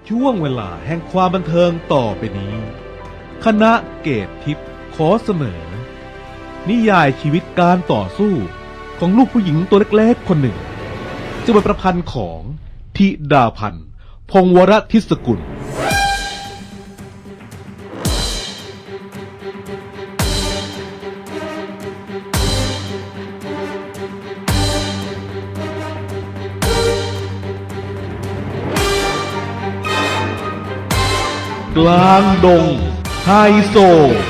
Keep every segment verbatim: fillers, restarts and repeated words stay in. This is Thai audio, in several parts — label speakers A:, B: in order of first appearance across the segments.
A: ช่วงเวลาแห่งความบันเทิงต่อไปนี้คณะเกตทิพย์ขอเสนอนิยายชีวิตการต่อสู้ของลูกผู้หญิงตัวเล็กๆคนหนึ่งจะเป็นประพันธ์ของธิดาพันธ์พงศ์วรทิศกุลกลางดงไฮโซ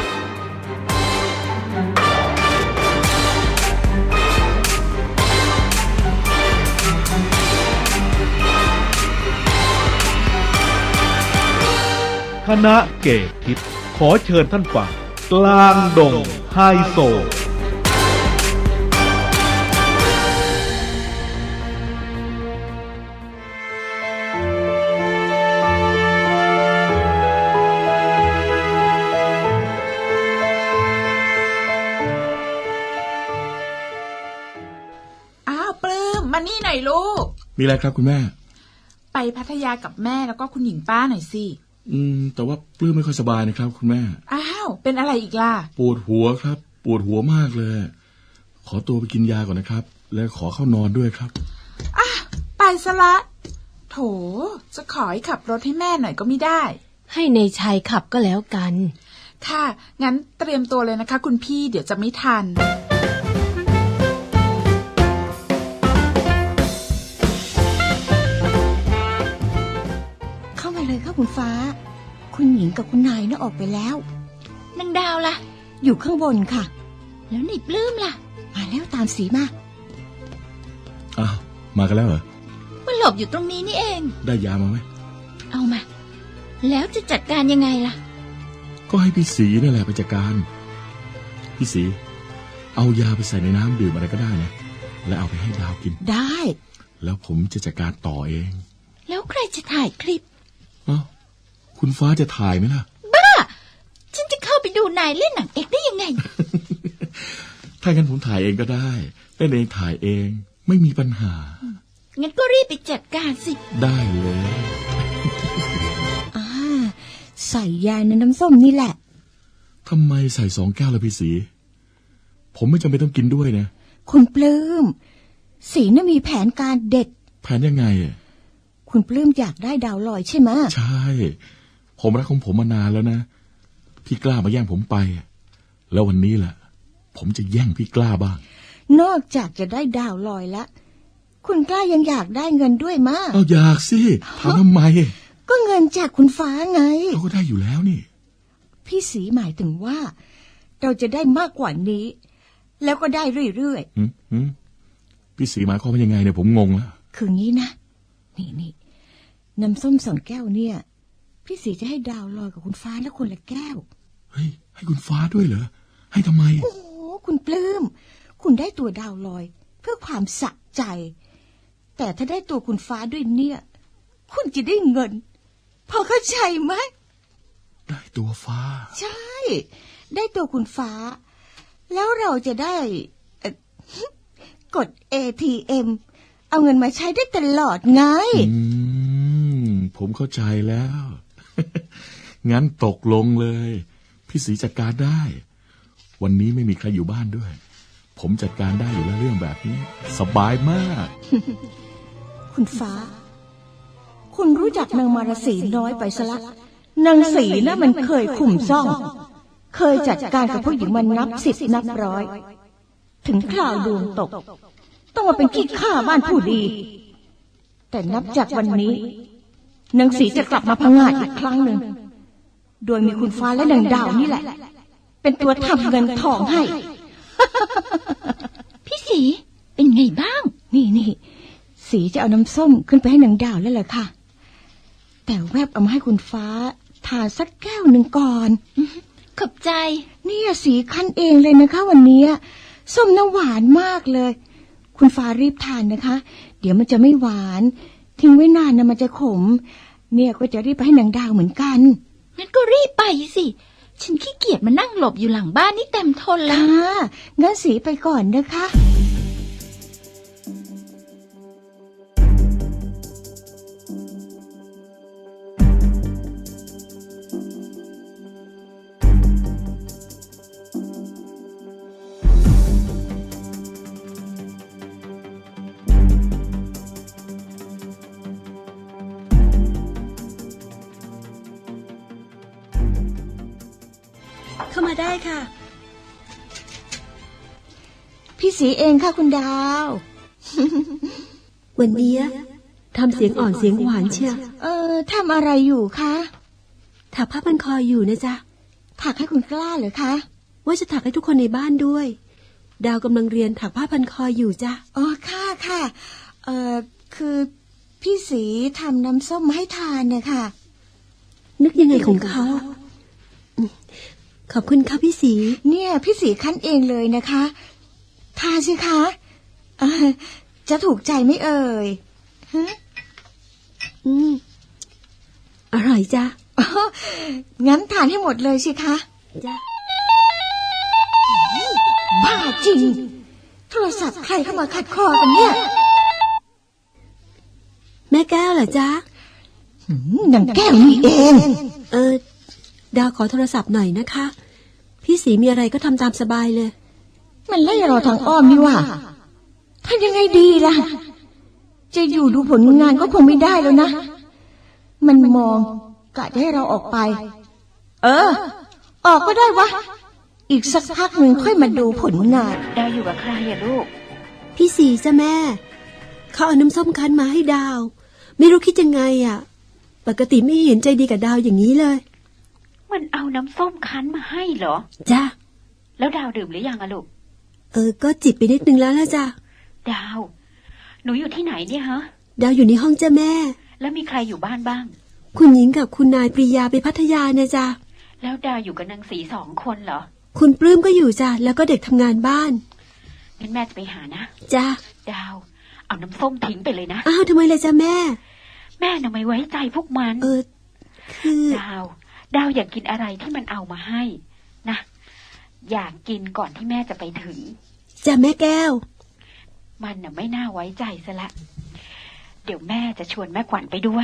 A: คณะเกตทิพย์ขอเชิญท่านฟังกลางดงไฮโซ
B: มานี่หน่อยลูก
C: มีอะไรครับคุณแม่
B: ไปพัทยากับแม่แล้วก็คุณหญิงป้าหน่อยสิ
C: อืมแต่ว่าปลื้มไม่ค่อยสบายนะครับคุณแม่
B: อ้าวเป็นอะไรอีกล่ะ
C: ปวดหัวครับปวดหัวมากเลยขอตัวไปกินยาก่อนนะครับแล้วขอเข้านอนด้วยครับ
B: อ่ะไปซะละโถจะขอให้ขับรถให้แม่หน่อยก็ไม่ได้
D: ให้ในชัยขับก็แล้วกัน
B: ค่ะงั้นเตรียมตัวเลยนะคะคุณพี่เดี๋ยวจะไม่ทัน
E: เลยค่ะคุณฟ้าคุณหญิงกับคุณนายน่ะออกไปแล้ว
D: นางดาวล่ะ
E: อยู่ข้างบนค่ะ
D: แล้วนี่ปลื้มล่ะ
E: มาแล้วตามสีมา
C: อ้าวมากันแล้วเหรอ
D: มาหลบอยู่ตรงนี้นี่เอง
C: ได้ยามาไหม
D: เอามาแล้วจะจัดการยังไงล่ะ
C: ก็ให้พี่สีนั่นแหละไปจัดการพี่สีเอายาไปใส่ในน้ำดื่มอะไรก็ได้นะแล้วเอาไปให้ดาวกิน
E: ได้
C: แล้วผมจะจัดการต่อเอง
D: แล้วใครจะถ่ายคลิป
C: อ้าวคุณฟ้าจะถ่ายไหมล่ะ
D: บ้าฉันจะเข้าไปดูนายเล่นหนังเอกได้ยังไง
C: ถ้างั้นผมถ่ายเองก็ได้เล่นเองถ่ายเองไม่มีปัญหา
D: งั้นก็รีบไปจัดการสิ
C: ได้เลย
E: อ่าใส่ยาในน้ำส้มนี่แหละ
C: ทำไมใส่สองแก้วละพี่สีผมไม่จำเป็นต้องกินด้วยนะ
E: คุณปลื้มสีน่ะมีแผนการเด็ด
C: แผนยังไง
E: คุณปลื้มอยากได้ดาวลอยใช่ไหม
C: ใช่ผมรักของผมมานานแล้วนะพี่กล้ามาแย่งผมไปแล้ววันนี้แหละผมจะแย่งพี่กล้าบ้าง
E: นอกจากจะได้ดาวลอยแล้วคุณกล้ายังอยากได้เงินด้วยมั้ย
C: เอาอยากสิถามทำไม
E: ก็เงินจากคุณฟ้าไง
C: เราก็ได้อยู่แล้วนี่
E: พี่สีหมายถึงว่าเราจะได้มากกว่านี้แล้วก็ได้เรื่อย
C: ๆพี่สีหมายความว่ายังไงเนี่ยผมงงแล้ว
E: คืองี้นะนี่นี่น้ำส้มสองแก้วเนี่ยพี่สีจะให้ดาวลอยกับคุณฟ้าแล้วคนละแก้ว
C: เฮ้ยให้คุณฟ้าด้วยเหรอให้ทำไม
E: โอ้คุณปลื้มคุณได้ตัวดาวลอยเพื่อความสะใจแต่ถ้าได้ตัวคุณฟ้าด้วยเนี่ยคุณจะได้เงินพอเข้าใจไหม
C: ได้ตัวฟ้า
E: ใช่ได้ตัวคุณฟ้าแล้วเราจะได้กด เอ ที เอ็มเอาเงินมาใช้ได้ตลอดไง
C: อืมผมเข้าใจแล้ว งั้นตกลงเลยพี่สีจัดการได้วันนี้ไม่มีใครอยู่บ้านด้วยผมจัดการได้อยู่แล้วเรื่องแบบนี้สบายมาก
E: คุณฟ้าคุณรู้จักนางมารสีน้อยไปซะละนางสีนะมันเคยขุ่มซ่องเคยจัดการกับผู้หญิงมันนับสิบนับร้อยถึงคราวดวงตกต้องมาเป็นขี้ข้าบ้านผู้ดีแต่นับจากวันนี้นางสีจะกลับมาพังงาดอีกครั้งหนึ่งโดยมีคุณฟ้าและนางดาวนี่แหละเป็นตัวทำเงินทองให้
D: พี่สีเป็นไงบ้าง
E: นี่นี่สีจะเอาน้ำส้มขึ้นไปให้นางดาวแล้วแหละค่ะแต่แวบเอามาให้คุณฟ้าทานสักแก้วหนึ่งก่อน
D: ขอบใจ
E: เนี่ยสีคั้นเองเลยนะคะวันนี้ส้มน้ำหวานมากเลยคุณฟ้ารีบทานนะคะเดี๋ยวมันจะไม่หวานทิ้งไว้นานนะมันจะขมเนี่ยก็จะรีบไปให้นางดาวเหมือนกัน
D: งั้นก็รีบไปสิฉันขี้เกียจมานั่งหลบอยู่หลังบ้านนี่เต็มทนแล้ว
E: งั้นสีไปก่อนนะคะ
C: อ
F: เข้ามาได้ค่ะ
E: พี่สีเองค่ะคุณดาว
F: วันนี้ทำเสียงอ่อนเสียงหวานเชียว
E: เออทำอะไรอยู่คะ
F: ถักผ้าพันคออยู่นะจ๊ะ
E: ถักให้คุณกล้าเหรอคะ
F: ว่าจะถักให้ทุกคนในบ้านด้วย ดาวกำลังเรียนถักผ้าพันคออยู่จ้ะ
E: อ๋อค่ะค่ะเออคือพี่สีทำน้ำส้มมาให้ทานเนี่ยค่ะ
F: นึกยังไงของเขาอืมขอบคุณค่ะพี่สี
E: เนี่ยพี่สีคั้นเองเลยนะคะทานสิคะเอ่อจะถูกใจไหมเอ่ยฮะ
F: อืมอร่อยจ้ะ
E: อ๋องั้นทานให้หมดเลยสิคะ
F: จ้ะ
E: บ้าจริง โทรศัพท์ใครเข้ามาขัดคอกันเนี่ย
F: แม่แก้วเหรอจ๊ะ
E: หืมนางแก้วนี่เอง
F: เออดาวขอโทรศัพท์หน่อยนะคะ พี่สีมีอะไรก็ทำตามสบายเลย
E: มันไล่เราทางอ้อมนี่หว่าทำยังไงดีล่ะ จะอยู่ดูผลงานก็คงไม่ได้แล้วนะ มันมองกะจะให้เราออกไป เออ ออกก็ได้วะ อีกสักพักหนึ่งค่อยมาดูผลงาน
D: ดาวอยู่กับใครอะลูก
F: พี่สีจ้ะแม่เขาเอาน้ำส้มคั้นมาให้ดาว ไม่รู้คิดยังไงอ่ะ ปกติไม่เห็นใจดีกับดาวอย่างนี้เลย
D: มันเอาน้ำส้มคั้นมาให้เหรอ
F: จ้ะ
D: แล้วดาวดื่มหรือยังอะลูก
F: เออก็จิบไปนิดนึงแล้วละจ้ะ
D: ดาว หนูอยู่ที่ไหนเนี่ยฮะ
F: ดาวอยู่ในห้องจ้ะแม่
D: แล้วมีใครอยู่บ้านบ้าง
F: คุณหญิงกับคุณนายปรียาไปพัทยานะจ้ะ
D: แล้วดาวอยู่กับนางสีสองคนเหรอ
F: คุณปลื้มก็อยู่จ้ะแล้วก็เด็กทำงานบ้าน
D: งั้นแม่จะไปหานะ
F: จ้ะ
D: ดาว เอาน้ำส้มทิ้งไปเลยนะ
F: อ้าวทำไมล่ะจ้ะแม่
D: แม่น่ะไม่ไว้ใจพวกมัน
F: เออคือ
D: ดาว ดาวอยากกินอะไรที่มันเอามาให้นะ อยากกินก่อนที่แม่จะไปถึง
F: จ้ะแม่แก้ว
D: มันน่ะไม่น่าไว้ใจซะละ เดี๋ยวแม่จะชวนแม่ขวัญไปด้วย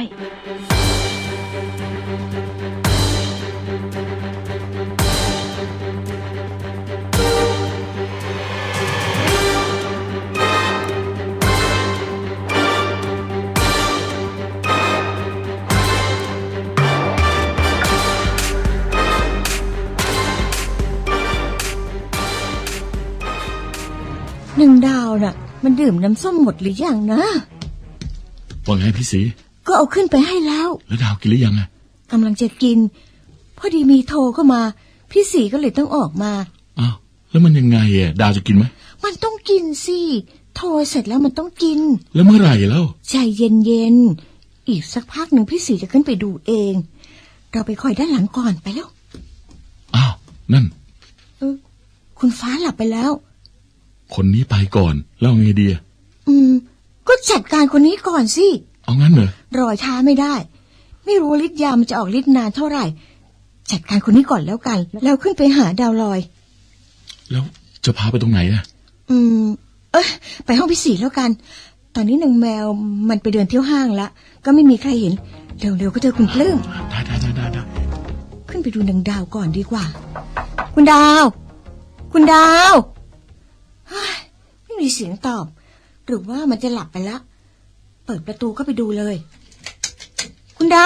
E: หนึ่งดาวน่ะ มันดื่มน้ำส้มหมดหรือยังนะ
C: ว่าไงพี่สี
E: ก็เอาขึ้นไปให้แล้ว
C: แล้วดาวกินหรือยังอะ
E: กำลังจะกิน พอดีมีโทรเข้ามา พี่สีก็เลยต้องออกมา
C: อ้าวแล้วมันยังไงอะดาวจะกินไหม
E: มันต้องกินสิโทรเสร็จแล้วมันต้องกิน
C: แล้วเมื่อไหร่แล้ว
E: ใจเย็นๆอีกสักพักหนึ่งพี่สีจะขึ้นไปดูเอง เราไปคอยด้านหลังก่อนไปแล้ว
C: อ้าวนั่น
E: เออคุณฟ้าหลับไปแล้ว
C: คนนี้ไปก่อนแล้วเอาไงดีอะ
E: อืม ก็จัดการคนนี้ก่อนสิ
C: เอางั้นเหรอ
E: รอช้าไม่ได้ ไม่รู้ฤทธิ์ยามันจะออกฤทธิ์นานเท่าไหร่ จัดการคนนี้ก่อนแล้วกัน แล้วขึ้นไปหาดาวลอย
C: แล้วจะพาไปตรงไหนอะ
E: อืม เอ้ยไปห้องพี่สีแล้วกัน ตอนนี้นางแมวมันไปเดินเที่ยวห้างละก็ไม่มีใครเห็น เร็วๆก็เจอคุณปลื้ม
C: ได้ได้ได้ได้ได้
E: ขึ้นไปดูนางดาวก่อนดีกว่า คุณดาว คุณดาวเฮ้ยไม่มีเสียงตอบ หรือว่ามันจะหลับไปละเปิดประตูก็ไปดูเลย คุณดาว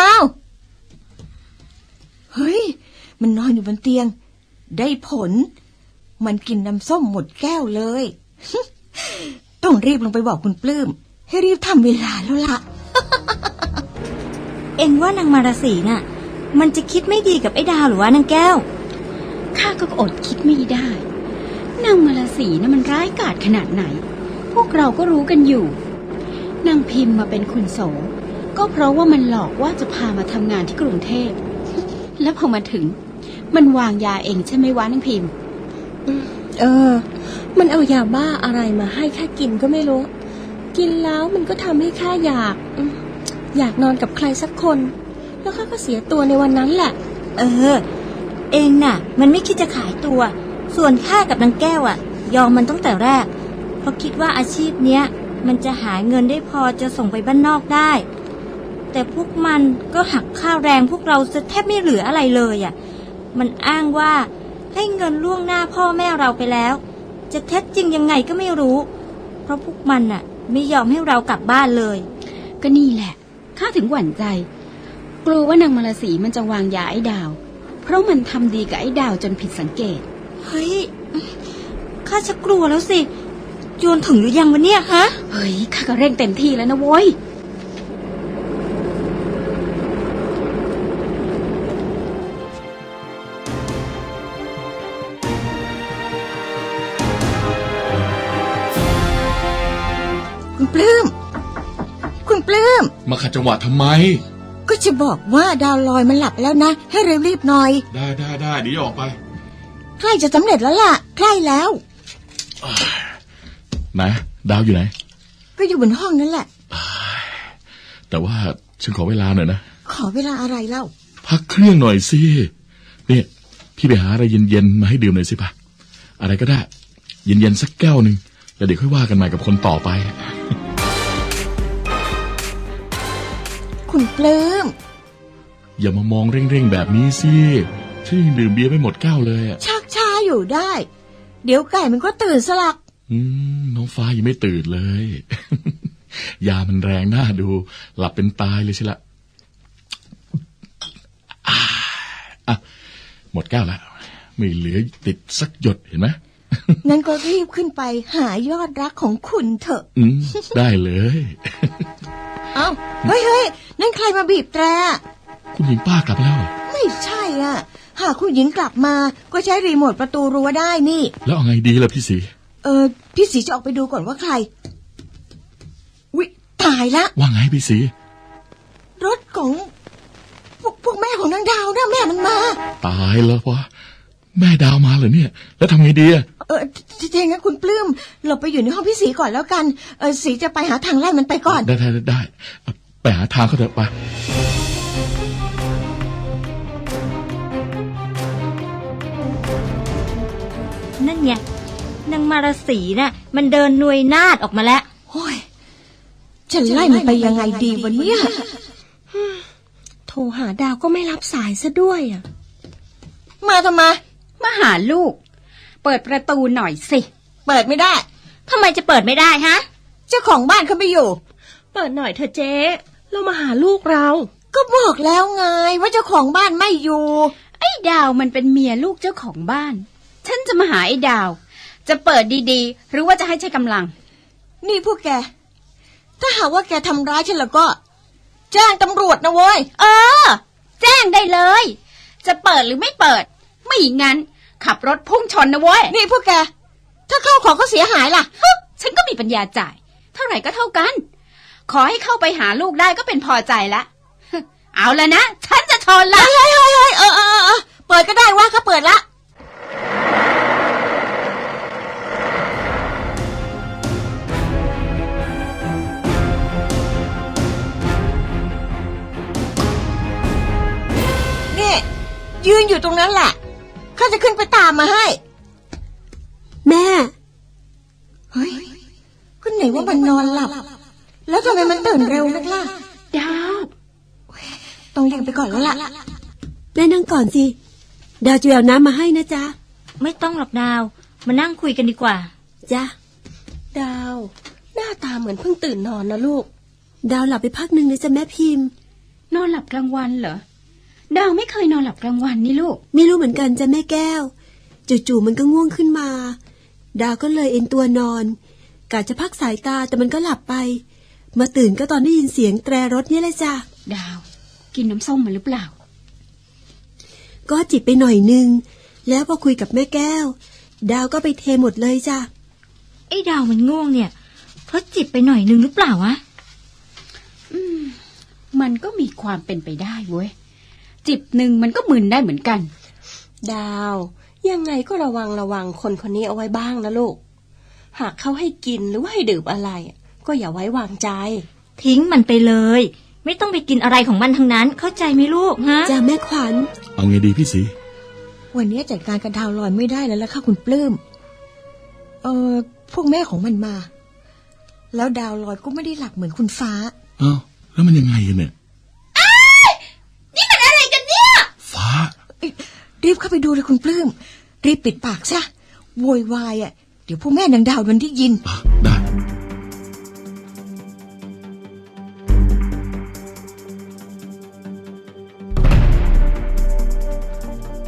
E: เฮ้ย มันนอนอยู่บนเตียง ได้ผล มันกินน้ำส้มหมดแก้วเลย ต้องรีบลงไปบอกคุณปลื้มให้รีบทำเวลาแล้วล่ะ
G: เอ็งว่านางมารสีน่ะ มันจะคิดไม่ดีกับไอ้ดาวหรือวะนางแก้ว
D: ข้าก็อดคิดไม่ได้ นางมาลาสีน่ะมันร้ายกาจขนาดไหน พวกเราก็รู้กันอยู่ นางพิมพ์มาเป็นคุณโสก็เพราะว่ามันหลอกว่าจะพามาทำงานที่กรุงเทพ แล้วพอมาถึง มันวางยาเองใช่ไหมวะนางพิมพ์
F: เออ มันเอายาบ้าอะไรมาให้ข้ากินก็ไม่รู้ กินแล้วมันก็ทำให้ข้าอยากอืมอยากนอนกับใครสักคน แล้วข้าก็เสียตัวในวันนั้นแหละ
G: เออ เอ็งน่ะ มันไม่คิดจะขายตัว ส่วนข้ากับนางแก้วอ่ะ ยอมมันตั้งแต่แรก เพราะคิดว่าอาชีพเนี้ย มันจะหาเงินได้พอจะส่งไปบ้านนอกได้ แต่พวกมันก็หักค่าแรงพวกเราจะแทบไม่เหลืออะไรเลยอ่ะ มันอ้างว่าให้เงินล่วงหน้าพ่อแม่เราไปแล้ว จะเท็จจริงยังไงก็ไม่รู้ เพราะพวกมันน่ะ ไม่ยอมให้เรากลับบ้านเลย
D: ก็นี่แหละข้าถึงหวั่นใจ กลัวว่านางมาลาสีมันจะวางยาไอ้ดาว พเพราะมันทำดีกับไอ้ดาวจนผิดสังเกต
G: เฮ้ย ข้าชักกลัวแล้วสิโยนถึงหรือยังวะเนี่ยฮะ
D: เฮ้ยข้าก็เร่งเต็มที่แล้วนะโว้ย
E: คุณปลื้มคุณปลื้ม
C: มาขัดจังหวะทำไม
E: ก็จะบอกว่าดาวลอยมันหลับแล้วนะให้เร็วรีบหน่อย
C: ได้ได้ได้เดี๋ยวออกไป
E: ใกล้จะสำเร็จแล้วล่ะใกล้แล้ว
C: ไหนดาวอยู่ไหน
E: ก็อยู่บนห้องนั่นแหละ
C: แต่ว่าฉันขอเวลาหน่อยนะ
E: ขอเวลาอะไรเล่า
C: พักเครื่องหน่อยสิเนี่ยพี่ไปหาอะไรเย็นๆมาให้ดื่มหน่อยสิปะอะไรก็ได้ เย็นๆสักแก้วหนึ่งแล้วเดี๋ยวค่อยว่ากันใหม่กับคนต่อไป
E: คุณปลื้ม
C: อย่ามามองเร่งๆแบบนี้สิฉันยังดื่มเบียร์ไม่หมดแก้วเลยอะ
E: ชักช้าอยู่ได้ เดี๋ยวไก่มันก็ตื่นสลัก
C: อืมน้องฟ้ายังไม่ตื่นเลย ยามันแรงน่าดู หลับเป็นตายเลยใช่ละอ่าอ่ะหมดแก้วแล้วไม่เหลือติดสักหยดเห็นไหม
E: งั้นก็รีบขึ้นไปหายอดรักของคุณเถอะ
C: อืมได้เลย
E: เอ้าเฮ้ยเฮ้ยนั่นใครมาบีบแตร
C: คุณหญิงป้ากลับแล้วเหรอ
E: ไม่ใช่อ่ะ หากคุณหญิงกลับมาก็ใช้รีโมทประตูรั้วได้นี่
C: แล้วเอาไงดีล่ะพี่สี
E: เออพี่สีจะออกไปดูก่อนว่าใครวิตายละ
C: ว่าไงพี่สี
E: รถของพวกพวกแม่ของนางดาวนะแม่มันมา
C: ตายแล้ววะแม่ดาวมาเหรอเนี่ย แล้วทำไงดีอะ
E: เออทีทีงั้นคุณปลื้มหลบไปอยู่ในห้องพี่สีก่อนแล้วกันเออสีจะไปหาทางไล่มันไปก่อน
C: ได้ได้ได้ได้ไปหาทางเขาเถอะไป
G: นั่นไงนางมารสีน่ะ มันเดินหน่วยนาดออกมาแล้ว
E: โอ้ยจะไล่มันไปยังไงดีวะเนี่ย
F: โทรหาดาวก็ไม่รับสายซะด้วยอ่ะ
E: มาทำไม
D: มาหาลูก เปิดประตูหน่อยสิ
E: เปิดไม่ได้
G: ทำไมจะเปิดไม่ได้ฮะ
E: เจ้าของบ้านเขาไม่อยู่
F: เปิดหน่อยเถอะเจ๊เรามาหาลูกเรา
E: ก็บอกแล้วไงว่าเจ้าของบ้านไม่อยู่
D: ไอ้ดาวมันเป็นเมียลูกเจ้าของบ้าน ฉันจะมาหาไอ้ดาว จะเปิดดีๆ หรือว่าจะให้ใช้กำลัง
E: นี่พวกแก ถ้าหากว่าแกทำร้ายฉันแล้วก็ แจ้งตำรวจนะเว้ย
D: เออ แจ้งได้เลย จะเปิดหรือไม่เปิด ไม่งั้น ขับรถพุ่งชนนะเว้ย
E: นี่พวกแก ถ้าเข้าของเขาเสียหายล่ะ
D: ฮึฉันก็มีปัญญาจ่าย เท่าไหร่ก็เท่ากัน ขอให้เข้าไปหาลูกได้ก็เป็นพอใจละฮึเอาละนะ ฉันจะชนละ
E: เฮ้ยเฮ้ยเฮ้ยเออเออเออเปิดก็ได้ว่าเขาเปิดละ นี่ยืนอยู่ตรงนั้นแหละข้าจะขึ้นไปตามมาให้
F: แม่
E: เฮ้ยก็ไหนว่ามันนอนหลับ แล้วทำไมมันตื่นเร็วนักล่ะ
D: ดาว
E: ต้องเรียกไปก่อนแล้วล่ะ
F: แม่นั่งก่อนสิดาวจะเอาน้ำมาให้นะจ๊ะ
G: ไม่ต้องหรอกดาว มานั่งคุยกันดีกว่า
F: จ้ะดาว หน้าตาเหมือนเพิ่งตื่นนอนนะลูก ดาวหลับไปพักหนึ่งนะจ๊ะแม่พิมพ์
D: นอนหลับกลางวันเหรอ ดาวไม่เคยนอนหลับกลางวันนี่ลูก
F: ไม่รู้เหมือนกันจ้ะแม่แก้วจู่ๆมันก็ง่วงขึ้นมา ดาวก็เลยเอนตัวนอนกะจะพักสายตาแต่มันก็หลับไป มาตื่นก็ตอนได้ยินเสียงแตรรถนี่แหละจ้ะ
D: ดาว กินน้ำส้มมาหรือเปล่า
F: ก็จิบไปหน่อยนึงแล้วพอคุยกับแม่แก้ว ดาวก็ไปเทหมดเลยจ้ะ
G: ไอ้ดาวมันง่วงเนี่ย เพราะจิบไปหน่อยนึงหรือเปล่าวะ
D: อืม มันก็มีความเป็นไปได้เว้ย จิบหนึ่งมันก็มึนได้เหมือนกัน
F: ดาวยังไงก็ระวังระวังคนคนนี้เอาไว้บ้างนะลูกหากเขาให้กินหรือว่าให้ดื่มอะไรก็อย่าไว้วางใจ
G: ทิ้งมันไปเลย ไม่ต้องไปกินอะไรของมันทั้งนั้น เข้าใจไหมลูกฮะ
F: จ้ะแม่ขวัญ
C: เอาไงดีพี่สี
E: วันนี้จัดการกับดาวลอยไม่ได้แล้วล่ะค่ะคุณปลื้มเออพวกแม่ของมันมา แล้วดาวลอยก็ไม่ได้หลับเหมือนคุณฟ้า
C: เอ้าแล้วมันยังไงกันเนี่ย
G: นี่มันอะไรกันเนี่ย
C: ฟ้า
E: รีบเข้าไปดูเลยคุณปลื้มรีบปิดปากซะโวยวายอ่ะเดี๋ยวพวกแม่นางดาวมันได้ยิน
C: อ่ะได้
E: น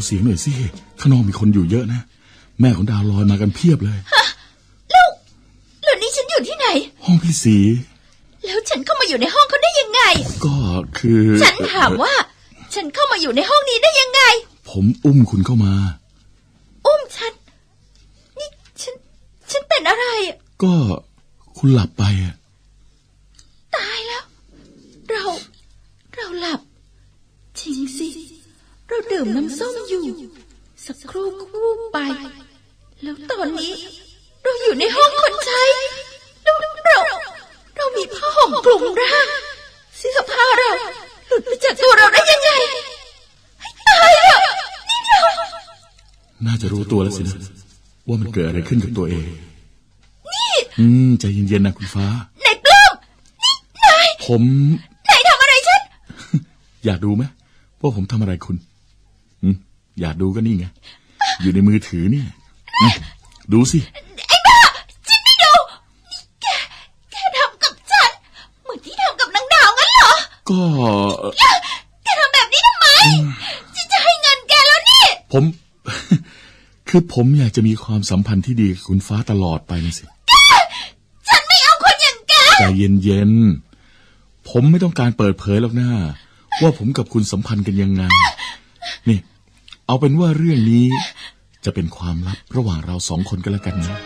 C: เสียงหน่อยสิข้างนอกมีคนอยู่เยอะนะแม่ของดาวลอยมากันเพียบเลย
G: ฮะแล้วแล้วนี่ฉันอยู่ที่ไหน
C: ห้องพี่สี
G: แล้วฉันเข้ามาอยู่ในห้องเขาได้ยังไง
C: ก็คือ
G: ฉันถามว่าฉันเข้ามาอยู่ในห้องนี้ได้ยังไง
C: ผมอุ้มคุณเข้ามา
G: อุ้มฉันนี่ฉันฉันเป็นอะไร
C: ก็คุณหลับไปอ่ะ
G: ตายแล้วเราเราหลับจริงสิเราดื่มน้ำส้มอยู่สักครู่ก็วูบไปแล้วตอนนี้เราอยู่ในห้องคนใช้เราเราเรามีผ้าห่มคลุมร่างเสื้อผ้าเราหลุดไปจากตัวเราได้ยังไงตายแล้วนี่เรา
C: น่าจะรู้ตัวแล้วสินะว่ามันเกิดอะไรขึ้นกับตัวเอง
G: นี่
C: อืมใจเย็นๆนะคุณฟ้า
G: ไหนปลื้มนี่นาย
C: ผม
G: นายทำอะไรฉัน
C: อยากดูไหมว่าผมทำอะไรคุณอืมอยากดูก็นี่ไงอยู่ในมือถือเนี่ยดูสิ
G: ไอ้บ้าฉันไม่ดูนี่แกแกทำกับฉันเหมือนที่ทำกับนางดาวงั้นเหรอ
C: ก็
G: แกทำแบบนี้ทำไมฉันจะให้เงินแกแล้วนี่
C: ผมคือผมอยากจะมีความสัมพันธ์ที่ดีกับคุณฟ้าตลอดไปนะสิ
G: ฉันไม่เอาคนอย่างแก
C: ใจเย็นๆผมไม่ต้องการเปิดเผยหรอกนะว่าผมกับคุณสัมพันธ์กันยังไงนี่เอาเป็นว่าเรื่องนี้จะเป็นความลับระหว่างเราสองคนกันแล้วกันนะ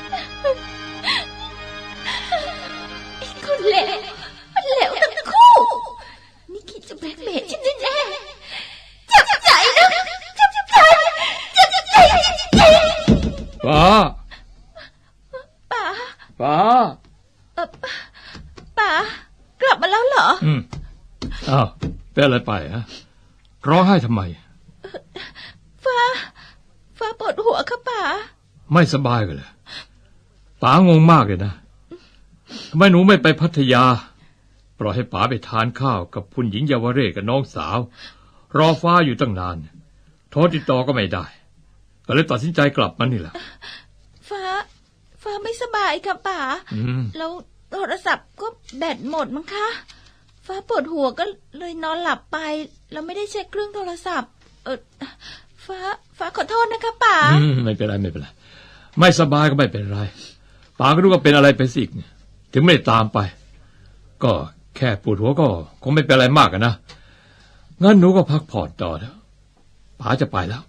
G: ไอ้คนเลวมันเลวทั้งคู่นี่คิดจะแบล็กเมย์ฉันแน่ๆจับใจนะจับใจจับใจจริงๆ
H: ป้า
G: ป้า
H: ป้า
G: เออป้ากลับมาแล้วเหรอ
H: อืมอ้าวเป็นอะไรไปฮะร้องไห้ทำไม
G: ฟ้าฟ้าปวดหัวค่ะป๋า
H: ไม่สบายกันเลยป๋างงมากเลยนะทำไมหนูไม่ไปพัทยาปล่อยให้ป๋าไปทานข้าวกับคุณหญิงเยาวเรศกับน้องสาวรอฟ้าอยู่ตั้งนานโทรติดต่อก็ไม่ได้ก็เลยตัดสินใจกลับมานี่แหละ
G: ฟ้าฟ้าไม่สบายค่ะป๋าแล้วโทรศัพท์ก็แบตหมดมั้งคะฟ้าปวดหัวก็เลยนอนหลับไปแล้วไม่ได้เช็คเครื่องโทรศัพท์เออฟ้าฟ้าขอโทษนะคะป๋า
H: ไม่เป็นไรไม่เป็นไรไม่สบายก็ไม่เป็นไรป๋าก็รู้ว่าเป็นอะไรไปสิถึงไม่ได้ตามไปก็แค่ปวดหัวก็คงไม่เป็นอะไรมากนะงั้นหนูก็พักผ่อนต่อแล้วป๋าจะไปแล้ว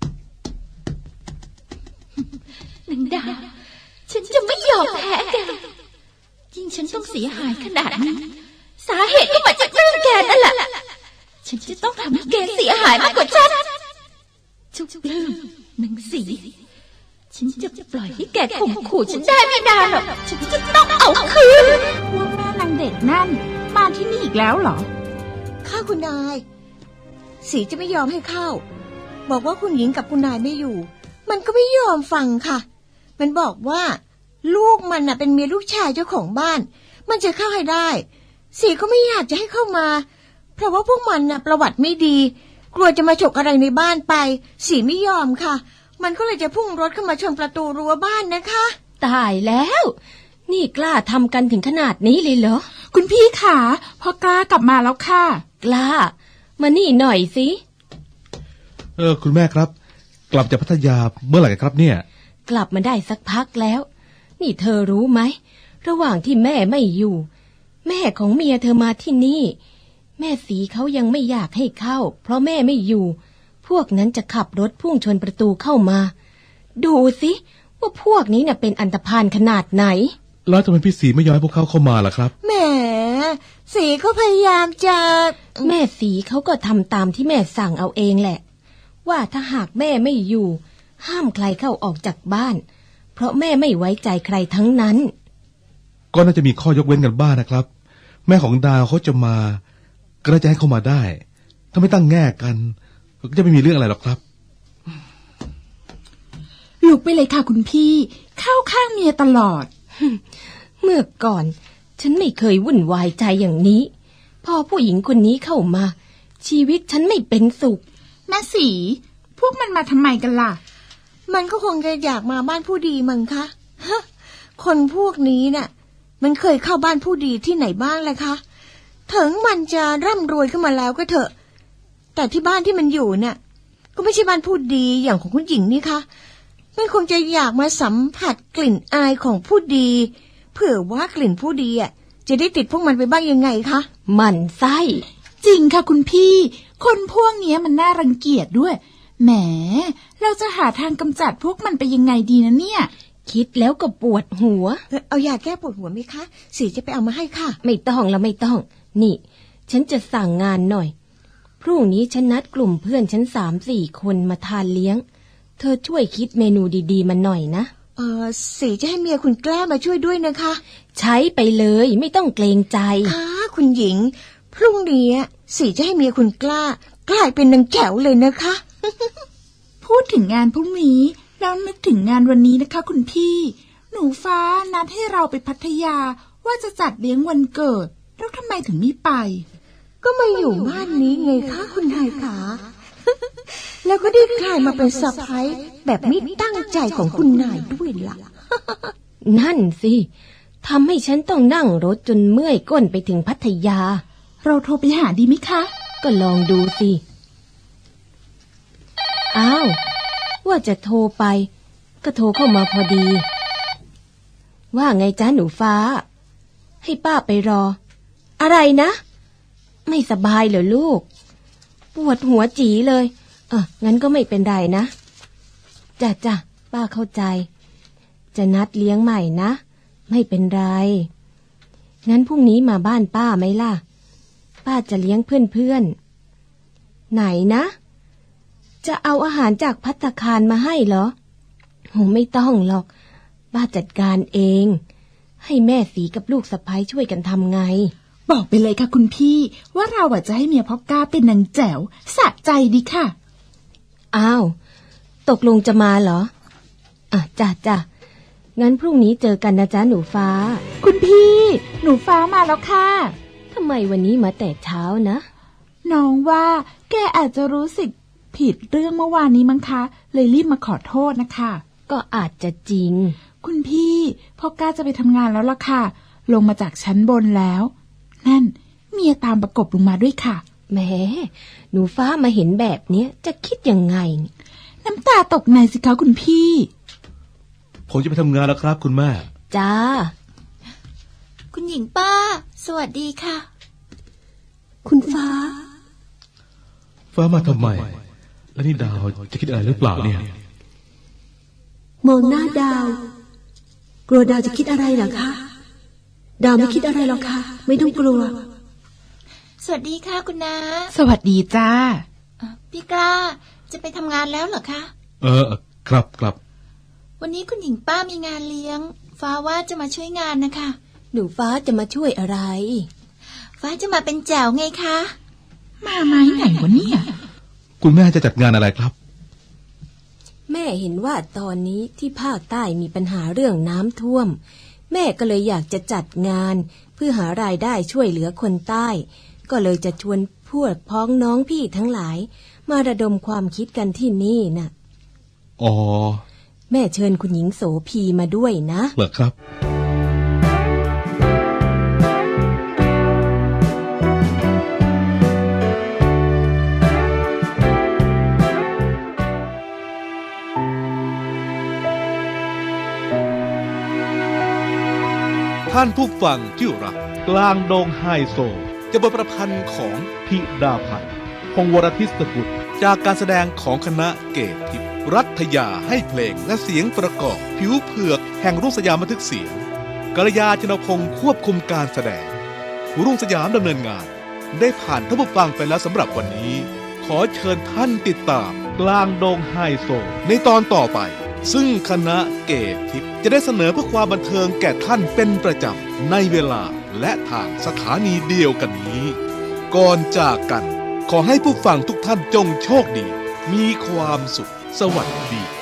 G: นางดาฉันจะไม่ยอมแพ้แกยิ่งฉันต้องเสียหายขนาดนี้สาเหตุก็มาจากเรื่องแกนั่นแหละฉันจะต้องทำให้แกเสียหายมากกว่าฉันจุ๊บปลื้มนางสีฉันจะปล่อยให้แกข่มขู่ฉันได้ไม่นานหรอกฉันจะต้องเอาคืน
B: พวกแม่นางเด็กนั่นมาที่นี่อีกแล้วเหรอ
E: ข้าคุณนายสีจะไม่ยอมให้เข้าบอกว่าคุณหญิงกับคุณนายไม่อยู่มันก็ไม่ยอมฟังค่ะมันบอกว่าลูกมันน่ะเป็นเมียลูกชายเจ้าของบ้านมันจะเข้าให้ได้สีก็ไม่อยากจะให้เข้ามาเพราะว่าพวกมันน่ะประวัติไม่ดีกลัวจะมาฉกอะไรในบ้านไปสีไม่ยอมค่ะมันก็เลยจะพุ่งรถเข้ามาชนประตูรั้วบ้านนะคะ
F: ตายแล้วนี่กล้าทำกันถึงขนาดนี้เลยเหรอ
B: คุณพี่ขาพอกล้ากลับมาแล้วค่ะ
F: กล้ามานี่หน่อยสิ
A: เออคุณแม่ครับกลับจากพัทยาเมื่อไหร่ครับเนี่ย
F: กลับมาได้สักพักแล้วนี่เธอรู้ไหมระหว่างที่แม่ไม่อยู่แม่ของเมียเธอมาที่นี่แม่สีเขายังไม่อยากให้เข้าเพราะแม่ไม่อยู่พวกนั้นจะขับรถพุ่งชนประตูเข้ามาดูสิว่าพวกนี้เนี่ยเป็นอันธพาลขนาดไหน
A: แล้วทำไมพี่สีไม่ยอมให้พวกเขาเข้ามาล่ะครับ
E: แหมสีเขาพยายามจะ
F: แม่สีเขาก็ทำตามที่แม่สั่งเอาเองแหละว่าถ้าหากแม่ไม่อยู่ห้ามใครเข้าออกจากบ้านเพราะแม่ไม่ไว้ใจใครทั้งนั้น
A: ก็น่าจะมีข้อยกเว้นกันบ้าง นะครับแม่ของดาวเขาจะมาก็น่าจะให้เข้ามาได้ถ้าไม่ตั้งแง่กันก็จะไม่มีเรื่องอะไรหรอกครับ
B: ลุกไปเลยค่ะคุณพี่เข้าข้างเมียตลอด
F: เมื่อก่อนฉันไม่เคยวุ่นวายใจอย่างนี้พอผู้หญิงคนนี้เข้ามาชีวิตฉันไม่เป็นสุข
B: แม่สีพวกมันมาทำไมกันล่ะ
E: มันก็คงจะอยากมาบ้านผู้ดีมั้งคะฮะคนพวกนี้น่ะมันเคยเข้าบ้านผู้ดีที่ไหนบ้างเลยคะถึงมันจะร่ำรวยขึ้นมาแล้วก็เถอะแต่ที่บ้านที่มันอยู่น่ะก็ไม่ใช่บ้านผู้ดีอย่างของคุณหญิงนี่คะมันคงจะอยากมาสัมผัสกลิ่นอายของผู้ดีเผื่อว่ากลิ่นผู้ดีอ่ะจะได้ติดพวกมันไปบ้างยังไงคะ
D: หมั่นไส้
B: จริงค่ะคุณพี่ คนพวกเนี้ยมันน่ารังเกียจด้วยแหมเราจะหาทางกำจัดพวกมันไปยังไงดีนะเนี่ย
D: คิดแล้วก็ปวดหัว
E: เอายาแก้ปวดหัวไหมคะสีจะไปเอามาให้ค่ะ
D: ไม่ต้องแล้วไม่ต้องนี่ฉันจะสั่งงานหน่อยพรุ่งนี้ฉันนัดกลุ่มเพื่อนฉันสามสี่คนมาทานเลี้ยงเธอช่วยคิดเมนูดีๆมาหน่อยนะ
E: เออสีจะให้เมียคุณแกล้มาช่วยด้วยนะคะ
D: ใช้ไปเลยไม่ต้องเกรงใจ
E: ค่ะคุณหญิงพรุ่งนี้สีจะให้เมียคุณกล้ากลายเป็นนางแจ๋วเลยนะคะ
B: พูดถึงงานพรุ่งนี้แล้วนึกถึงงานวันนี้นะคะคุณพี่หนูฟ้านัดให้เราไปพัทยาว่าจะจัดเลี้ยงวันเกิดแล้วทำไมถึงไม่ไป
E: ก็มาอยู่บ้านนี้ไงคะคุณนายขา แล้วก็ได้กลายมาเป็นสะใภ้แบบไม่ตั้งใจของคุณนายด้วยล่ะ
D: นั่นสิทำให้ฉันต้องนั่งรถจนเมื่อยก้นไปถึงพัทยา
B: เราโทรไปหาดีไหมคะ
D: ก็ลองดูสิอ้าวว่าจะโทรไปก็โทรเข้ามาพอดีว่าไงจ๊ะหนูฟ้าให้ป้าไปรออะไรนะไม่สบายเหรอลูกปวดหัวจีเลยเอองั้นก็ไม่เป็นไรนะจ้ะจ้ะป้าเข้าใจจะนัดเลี้ยงใหม่นะไม่เป็นไรงั้นพรุ่งนี้มาบ้านป้าไหมล่ะป้าจะเลี้ยงเพื่อนๆไหนนะจะเอาอาหารจากภัตตาคารมาให้เหรอโหไม่ต้องหรอกป้าจัดการเองให้แม่สีกับลูกสะใภ้ช่วยกันทำไง
B: บอกไปเลยค่ะคุณพี่ว่าเราอ่ะจะให้เมียพ่อกล้าเป็นนางแจ๋วสะใจดีค่ะ
D: อ้าวตกลงจะมาเหรออ่ะจ้ะจ้ะงั้นพรุ่งนี้เจอกันนะจ๊ะหนูฟ้า
B: คุณพี่หนูฟ้ามาแล้วค่ะ
D: ทำไมวันนี้มาแต่เช้านะ
B: น้องว่าแกอาจจะรู้สึกผิดเรื่องเมื่อวานนี้มั้งคะเลยรีบมาขอโทษนะคะ
D: ก็อาจจะจริง
B: คุณพี่พ่อกล้าจะไปทำงานแล้วล่ะค่ะลงมาจากชั้นบนแล้วนั่นเมียตามประกบลงมาด้วยค่ะ
D: แหมหนูฟ้ามาเห็นแบบนี้จะคิดยังไง
B: น้ำตาตกในสิคะคุณพี่
A: ผมจะไปทำงานแล้วครับคุณแม่
D: จ้า
G: คุณหญิงป้าสวัสดีค่ะ
E: คุณฟ้า
A: ฟ้ามาทำไมแล้วนี่ดาวจะคิดอะไรหรือเปล่าเนี่ย
E: มองหน้าดาวกลัวดาวจะคิดอะไรเหรอคะดาวไม่คิดอะไรหรอกค่ะไม่ต้องกลัว
G: สวัสดีค่ะคุณน้า
B: สวัสดีจ้า
G: พี่กล้าจะไปทำงานแล้วเหรอคะ
A: เออครับครับ
G: วันนี้คุณหญิงป้ามีงานเลี้ยงฟ้าว่าจะมาช่วยงานนะคะ
D: หนูฟ้าจะมาช่วยอะไร
G: ฟ้าจะมาเป็นแจ๋วไงคะ
B: มาไม้ไหนวะเนี่ย
A: คุณแม่จะจัดงานอะไรครับ
D: แม่เห็นว่าตอนนี้ที่ภาคใต้มีปัญหาเรื่องน้ำท่วมแม่ก็เลยอยากจะจัดงานเพื่อหารายได้ช่วยเหลือคนใต้ก็เลยจะชวนพวกพ้องน้องพี่ทั้งหลายมาระดมความคิดกันที่นี่น่ะ
A: อ๋อ
D: แม่เชิญคุณหญิงโสภีมาด้วยนะ
A: เหรอครับท่านผู้ฟังที่รักกลางดงไฮโซจะบทประพันธ์ของธิดาพันธ์พงศ์วรทิศกุลจากการแสดงของคณะเกตทิพย์รัฐยาให้เพลงและเสียงประกอบผิวเผือกแห่งรุ่งสยามบันทึกเสียงกัลยาชนพงศ์ควบคุมการแสดงรุ่งสยามดำเนินงานได้ผ่านท่านผู้ฟังไปแล้วสำหรับวันนี้ขอเชิญท่านติดตามกลางดงไฮโซในตอนต่อไปซึ่งคณะเกตทิพย์จะได้เสนอเพื่อความบันเทิงแก่ท่านเป็นประจำในเวลาและทางสถานีเดียวกันนี้ก่อนจากกันขอให้ผู้ฟังทุกท่านจงโชคดีมีความสุขสวัสดี